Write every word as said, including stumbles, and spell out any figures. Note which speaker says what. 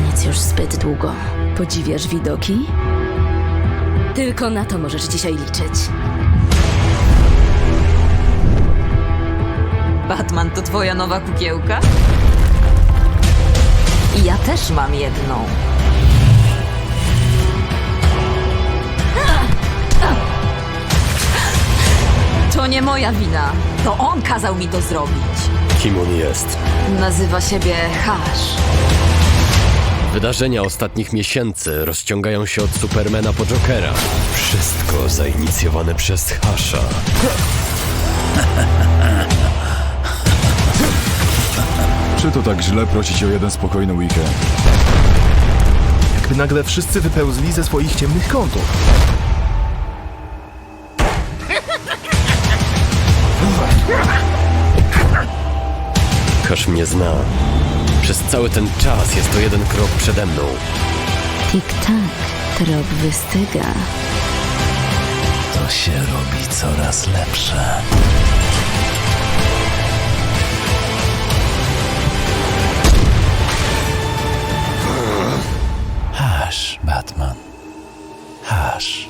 Speaker 1: Nic już zbyt długo.
Speaker 2: Podziwiasz widoki? Tylko na to możesz dzisiaj liczyć.
Speaker 3: Batman to twoja nowa kukiełka? Ja też mam jedną. To nie moja wina. To on kazał mi to zrobić.
Speaker 4: Kim on jest?
Speaker 3: Nazywa siebie Hash.
Speaker 4: Wydarzenia ostatnich miesięcy rozciągają się od Supermana po Jokera. Wszystko zainicjowane przez Hasha.
Speaker 5: Czy to tak źle prosić o jeden spokojny weekend?
Speaker 6: Jakby nagle wszyscy wypełzli ze swoich ciemnych kątów.
Speaker 4: Hash mnie zna. Przez cały ten czas jest to jeden krok przede mną.
Speaker 2: Tik-tak, trop wystyga.
Speaker 7: To się robi coraz lepsze. Hash, Batman. Hash.